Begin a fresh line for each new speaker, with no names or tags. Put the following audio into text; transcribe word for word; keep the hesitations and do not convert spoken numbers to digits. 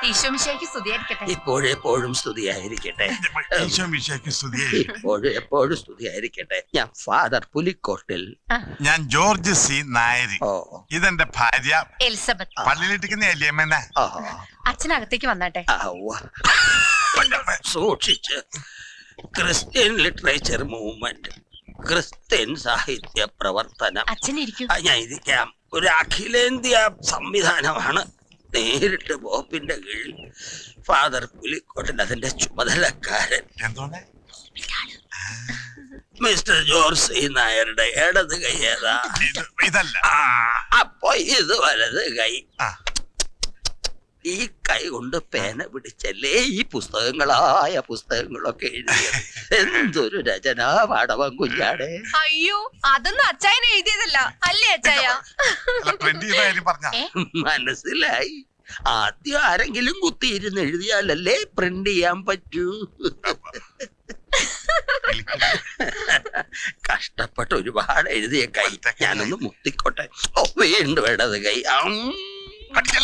ഈശോമിശിഹായ്ക്ക് സ്തുതിയായിരിക്കട്ടെ.
ഇപ്പോഴെപ്പോഴും സ്തുതിയായിരിക്കട്ടെ. ഇപ്പോഴും എപ്പോഴും സ്തുതിയായിരിക്കട്ടെ. ഞാൻ ഫാദർ പുലിക്കോട്ടിൽ.
ഞാൻ ജോർജ് സി നായരി.
ഓ
ഇതെന്റെ ഭാര്യ
എലിസബത്ത്.
പള്ളിയിലിട്ടിരിക്കുന്ന എലിയമ്മേനെ.
അച്ഛനകത്തേക്ക് വന്നാട്ടെ.
സൂക്ഷിച്ച്. ക്രിസ്ത്യൻ ലിറ്ററേച്ചർ മൂവ്മെന്റ്, ക്രിസ്ത്യൻ സാഹിത്യ പ്രവർത്തനം.
അച്ഛനിരിക്കും.
ഞാൻ ഇരിക്കാം. ഒരു അഖിലേന്ത്യാ സംവിധാനമാണ്. നേരിട്ട് ബോപ്പിന്റെ കീഴിൽ ഫാദർ പുലിക്കോട്ടിൽ അതിന്റെ ചുമതലക്കാരൻ. മിസ്റ്റർ ജോർജ് സി നായരുടെ ഇടത് കൈ ഏതാ?
ഇതല്ല.
അപ്പൊ ഇത് വലത് കൈ. ഈ കൈ കൊണ്ട് പേന പിടിച്ചല്ലേ ഈ പുസ്തകങ്ങളായ പുസ്തകങ്ങളൊക്കെ എഴുതിയത്. എന്തൊരു രചനാ പാടവം കുഞ്ഞാടെ.
അയ്യോ, അതൊന്നും അച്ചായനെ എഴുതിയതല്ല അല്ലേ അച്ചായ?
മനസ്സിലായി. ആദ്യം ആരെങ്കിലും കുത്തിയിരുന്ന് എഴുതിയാലല്ലേ പ്രിന്റ് ചെയ്യാൻ പറ്റൂ. കഷ്ടപ്പെട്ട് ഒരുപാട് എഴുതിയ കൈ. ഞാനൊന്ന് മുത്തിക്കോട്ടെ. ഓ വീണ്ടും ഇടത് കൈ.